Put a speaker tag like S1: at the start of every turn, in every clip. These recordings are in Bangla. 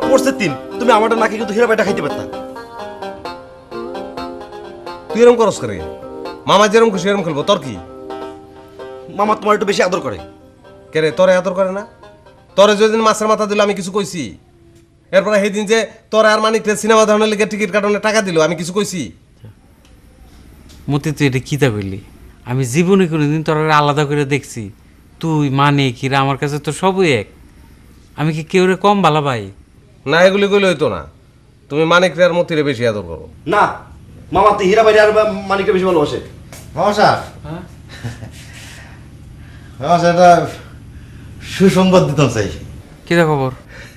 S1: পড়ছে 3, তুমি আমারটা নাকি কিন্তু হীরা বাইটা খাইতে পারতা।
S2: তুই এরকম করস করে? মামা যেরকম খুশি এরকম খেলবো, তোর কি?
S1: মামা তোমার একটু বেশি আদর করে।
S2: কে রে, তোরে আদর করে না? তোরে যেদিন মাছের মাথা দিল আমি কিছু কইছি? এরপরে সেদিন যে তোর আর মানিকরে সিনেমা দেখানোর লিগে টিকিট কাটানোর টাকা দিল আমি কিছু কইছি?
S3: মতি তুই এটা কী তা বললি? আমি জীবনে কোনোদিন তোর আলাদা করে দেখছি? তুই মানে কিরা আমার কাছে তো সবই এক। আমি কি কেউ রে কম ভালো ভাই?
S2: না, এগুলি কইলে হইতো না। তুমি মানিকরে আর মতিরে বেশি আদর করো।
S1: না মামা তো হীরা বাইরে আর মানিককে বেশি ভালোবাসে।
S4: মামা সাহেব,
S3: হ্যাঁ
S4: মামা সাহেব, একটা সুসংবাদ দিতাম চাই।
S3: কী খবর?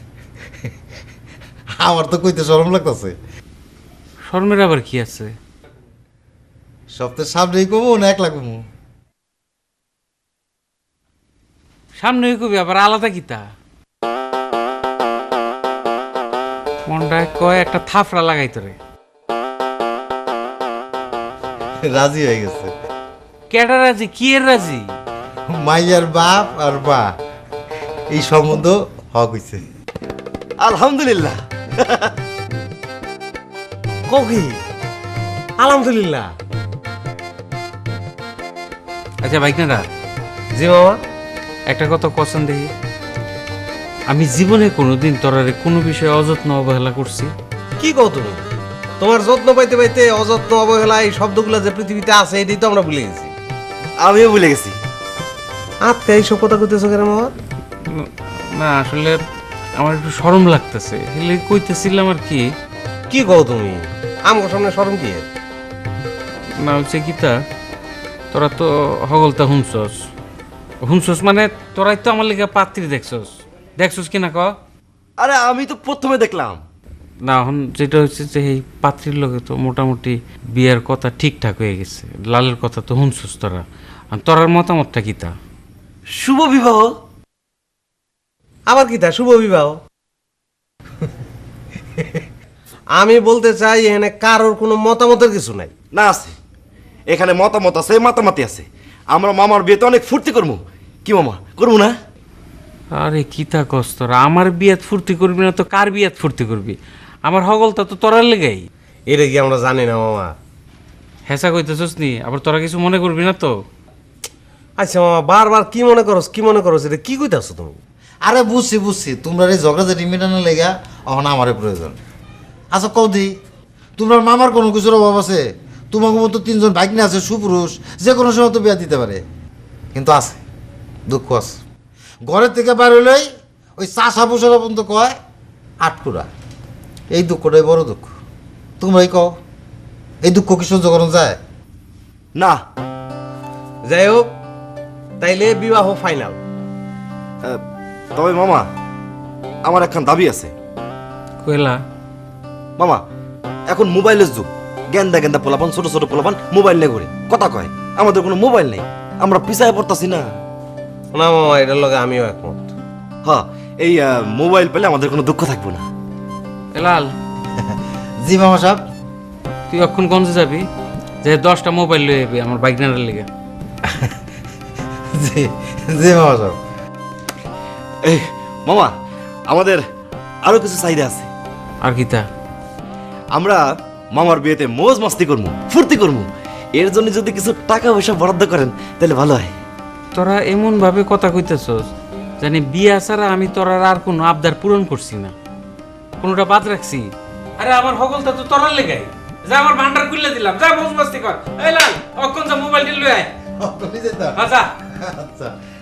S4: আমার তো কইতে শরম লাগতেছে।
S3: শর্মের আবার কি আছে?
S4: সপ্তাহের সামনেই কমু না একলা কমু?
S3: সামনে কবি আবার আলাদা কিতা? মনটায় কয় একটা থাফড়া লাগাই তোরে।
S4: রাজি হয়ে গেছে।
S3: কেডা রাজি? কি এর রাজি?
S4: মাইয়ার বাপ আর মা এই সম্বন্ধ হক হইছে।
S1: আলহামদুলিল্লাহ।
S2: কি আলহামদুলিল্লাহ?
S3: আচ্ছা বাইকনারা,
S2: জি মামা।
S3: একটা কথা কসন দেখি, আমি জীবনে কোনোদিন তোরারে কোনো বিষয়ে অযত্ন অবহেলা করছি?
S2: কি কও তুমি? তোমার যত্ন পাইতে পাইতে অযত্ন অবহেলা এই শব্দগুলো যে পৃথিবীতে আছে এটাই তো আমরা ভুলে গেছি।
S1: আমিও ভুলে গেছি।
S2: আজকে এইসব কথা কইতেছো কেন মামা?
S3: না আসলে আমার একটু শরম লাগতেছে, এলে কইতেছিলাম আর কি।
S2: কি কও তুমি? আমার সামনে শরম কি এর?
S3: না হচ্ছে কিতা, তোরা তো হগলতা হুমসস মানে তোরাই তো আমার লিগে পাত্রী দেখছস কিনা ক?
S1: আরে আমি তো প্রথমে দেখলাম।
S3: না এখন যেটা হচ্ছে যে এই পাত্রীর লগে তো মোটামুটি বিয়ের কথা ঠিকঠাক হয়ে গেছে, লালের কথা তো শুনছস তোরা। আর তোরার মতামতটা কিতা?
S1: শুভ বিবাহ।
S2: আবার কি তা শুভ বিবাহ? আমি বলতে চাই এখানে কারোর কোনো মতামতের কিছু নাই।
S1: না আছে, এখানে মতামত আছে, মাতামাতি আছে। আমরা মামার বিয়েতে অনেক ফুর্তি করবো। কি মামা, করবো না?
S3: আরে কিতা কস তোরা? আমার বিয়াত ফুর্তি করবি না তো কার বিয়াত ফুর্তি করবি? আমার হগলটা তো তোরার লেগাই।
S2: এটা কি আমরা জানি না মামা?
S3: হেসা কইতেছস নি? আবার তোরা কিছু মনে করবি না তো?
S2: আচ্ছা মামা, বারবার কি মনে করস এটা কি কইতাছো তুমি?
S4: আরে বুঝছি, তোমরা এই ঝগড়াঝাটি মেটানোর লেগা এখন আমারই প্রয়োজন। আচ্ছা কৌদি, তোমরা মামার কোনো কিছুর অভাব আছে? তোমাকে মতো 3 জন ভাগ্নে আছে, সুপুরুষ, যে কোনো সময় তো বিয়া দিতে পারে। কিন্তু আছে, দুঃখ আছে। ঘরের থেকে বাইর হইলেই ওই চাষা পুষারা পর্যন্ত কয় আটকুরা। এই দুঃখটাই বড় দুঃখ। তোমরাই কও, এই দুঃখ কি সহ্য করা যায়?
S1: না।
S2: যাই হোক, তাইলে বিবাহ ফাইনাল।
S1: তবে মামা, আমার একখান দাবি আছে।
S3: কইলা?
S1: মামা, এখন মোবাইলের যুগ। গেন্দা পোলাপান, ছোট ছোট পোলাপান মোবাইল নিয়ে ঘুরে কথা কয়। আমাদের কোনো মোবাইল নেই, আমরা পিছায় পড়তাছি না।
S2: না মামা, এটার লগে আমিও একমত।
S1: হ্যাঁ, এই মোবাইল পেলে আমাদের কোনো দুঃখ থাকবো না।
S3: এলাল,
S4: জি মামা সাহেব।
S3: তুই অক্ষণ গঞ্জে যাবি, যে 10টা মোবাইল লয়ে যাবি আমার বাইকনারের লেগে।
S4: জি জি মামা সাহেব।
S1: এই মামা, আমাদের আরো কিছু চাহিদা আছে।
S3: আর কিতা?
S1: আমরা মামার বিয়েতে মৌজ মাস্তি করবো, ফুর্তি করবো। এর জন্য যদি কিছু টাকা পয়সা বরাদ্দ করেন তাহলে ভালো হয়।
S3: তোরা এমন ভাবে কথা কইতেছস জানি বিয়া ছাড়া আমি তোরার আর কোনো আবদার পূরণ করছি না, কোনোটা বাদ রাখছি? আরে আমার হগলটা তো তোরার লেগাই। যা আমার ভান্ডার খুলে দিলাম, যা মৌজ মাস্তি কর। এই লাল, অক্ষণ যা মোবাইলটা লয়ে আয়।
S4: আপনি যেতে।
S3: আচ্ছা
S4: আচ্ছা।